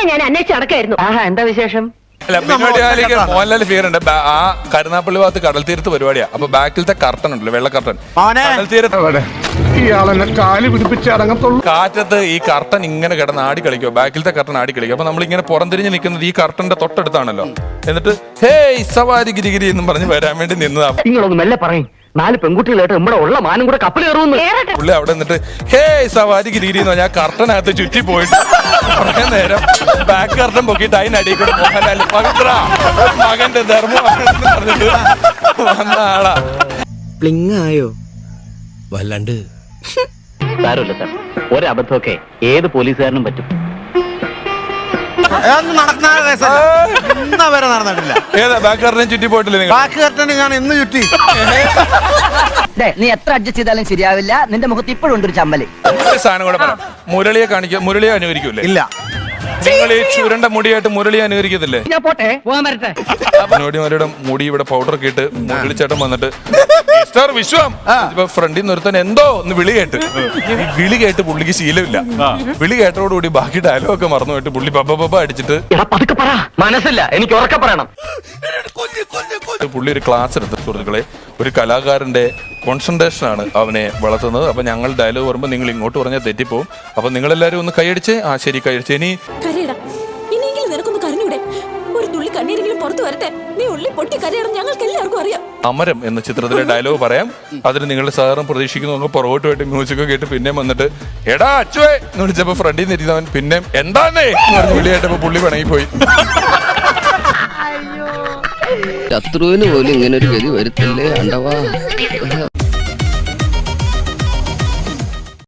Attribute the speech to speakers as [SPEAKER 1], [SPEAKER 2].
[SPEAKER 1] ഞാൻ അന്വേഷിച്ച് നടക്കായിരുന്നു.
[SPEAKER 2] എന്താ വിശേഷം?
[SPEAKER 3] മോഹൻലാൽ ഫിയർ ഉണ്ട്. ആ കരുനാപ്പള്ളി ഭാഗത്ത് കടൽ തീരത്ത് പരിപാടിയാ. അപ്പൊ ബാക്കിലത്തെ കർട്ടൻ ഉണ്ടല്ലോ, വെള്ള കർട്ടൻ, കടൽ തീരത്ത് കാറ്റത്ത് ഈ കർട്ടൻ ഇങ്ങനെ കിടന്ന് ആടി കളിക്കോ, ബാക്കിലത്തെ കർട്ടൻ ആടി കളിക്കും. അപ്പൊ നമ്മളിങ്ങനെ പുറംതിരിഞ്ഞ് നിൽക്കുന്നത് ഈ കർട്ടന്റെ തൊട്ടടുത്താണല്ലോ. എന്നിട്ട് ഹേയ് സവാരി ഗിരിഗിരി എന്നും പറഞ്ഞ് വരാൻ വേണ്ടി നിന്നതാ.
[SPEAKER 2] നിങ്ങളൊന്ന് മെല്ലെ പറയും, 4 പെൺകുട്ടികളായിട്ട് നമ്മുടെ ഉള്ള മാനം കൂടെ കപ്പൽ കയറുന്നു.
[SPEAKER 3] പുള്ളി അവിടെ നിന്നിട്ട് ഹേയ് സവാരി ഗിരിഗിരി എന്ന് പറഞ്ഞാൽ കർട്ടനകത്ത് ചുറ്റി പോയിട്ട് കുറെ നേരം ബാക്ക് കർട്ടൻ പൊക്കിയിട്ട് അതിനടിയിൽ കൂടെ മോഹൻലാൽ പവിത്ര മകന്റെ ധർമ്മം പറഞ്ഞിട്ട് വന്ന ആളാ.
[SPEAKER 4] ആയോ വല്ലാണ്ട്
[SPEAKER 2] സാരമില്ല സാർ, ഒരബദ്ധമൊക്കെ ഏത് പോലീസുകാരനും പറ്റും.
[SPEAKER 4] നടന്നിട്ടില്ല.
[SPEAKER 3] ഏതാ ബാക്ക് കർട്ടനെ ചുറ്റി പോയിട്ടില്ലേ നിങ്ങൾ?
[SPEAKER 4] ബാക്ക് കർട്ടന് ഞാൻ എന്ന് ചുറ്റി.
[SPEAKER 2] നീ എത്ര അഡ്ജസ്റ്റ് ചെയ്താലും ശരിയാവില്ല, നിന്റെ മുഖത്ത് ഇപ്പോഴും ഉണ്ട് ഒരു ചമ്മല്.
[SPEAKER 3] ഒരു സാധനം കൂടെ പറയാം, മുരളിയെ കാണിക്കുക. മുരളിയെ അനുകരിക്കൂലേ?
[SPEAKER 4] ഇല്ല.
[SPEAKER 3] നിങ്ങൾ ഈ ചുരണ്ട മുടിയായിട്ട് മുരളിയെ അനുകരിക്കത്തില്ലേ?
[SPEAKER 2] ഞാൻ പോട്ടെ, പോകാൻ വരട്ടെ.
[SPEAKER 3] മുരളിയുടെ മുടി ഇവിടെ പൗഡർ ഒക്കെ ഇട്ട് മുരളിച്ചേട്ടൻ വന്നിട്ട് മിസ്റ്റർ വിശ്വം ഫ്രണ്ടിൽ നിന്ന് ഒരുത്തൻ എന്തോ ഒന്ന് വിളി കേട്ട്, ഈ വിളി കേട്ട് പുള്ളിക്ക് ശീലമില്ല. വിളി കേട്ടതോടുകൂടി ബാക്കി ഡയലോഗ് ഒക്കെ മറന്നു പോയിട്ട് പുള്ളി പപ്പ അടിച്ചിട്ട്
[SPEAKER 2] മനസ്സില്ല, എനിക്ക് ഉറക്കെ പറയണം.
[SPEAKER 3] പുള്ളി ഒരു ക്ലാസ് എടുത്ത്, സുഹൃത്തുക്കളെ, ഒരു കലാകാരന്റെ കോൺസെൻട്രേഷൻ ആണ് അവനെ വളർത്തുന്നത്. അപ്പൊ ഞങ്ങൾ ഡയലോഗ് പറയുമ്പോൾ നിങ്ങൾ ഇങ്ങോട്ട് പറഞ്ഞാൽ തെറ്റിപ്പോവും. അപ്പൊ നിങ്ങളെല്ലാരും ഒന്ന് കൈയടിച്ച്, ആ ശരി കൈയടിച്ച്.
[SPEAKER 5] ഇനിയെങ്കിലും നിനക്കൊന്ന് കരഞ്ഞൂടെ? ഒരു തുള്ളി കണ്ണീരെങ്കിലും പുറത്തു വരട്ടെ. നീ ഉള്ളി പൊട്ടി കരയണം, ഞങ്ങൾക്ക് എല്ലാവർക്കും അറിയാം.
[SPEAKER 3] അമരം എന്ന ചിത്രത്തിലെ ഡയലോഗ് പറയാം. അതിന് നിങ്ങളുടെ സഹകരണം പ്രതീക്ഷിക്കുന്നു. പുറകോട്ട് പോയിട്ട് മ്യൂസിക് കേട്ട് പിന്നെ വന്നിട്ട് എടാ അച്ചുവേ എന്ന് വിളിച്ചപ്പോ ഫ്രണ്ടിൽ നിന്ന് ഇരിക്കുന്നവൻ പിന്നെ എന്താന്നേ എന്ന് പറഞ്ഞ് വിളിയായിട്ടപ്പോ പുള്ളി പിണങ്ങിപ്പോയി.
[SPEAKER 6] ശത്രുവിന് പോലും ഇങ്ങനെ ഒരു ഗതി വരുത്തല്ലേ അണ്ടവാ.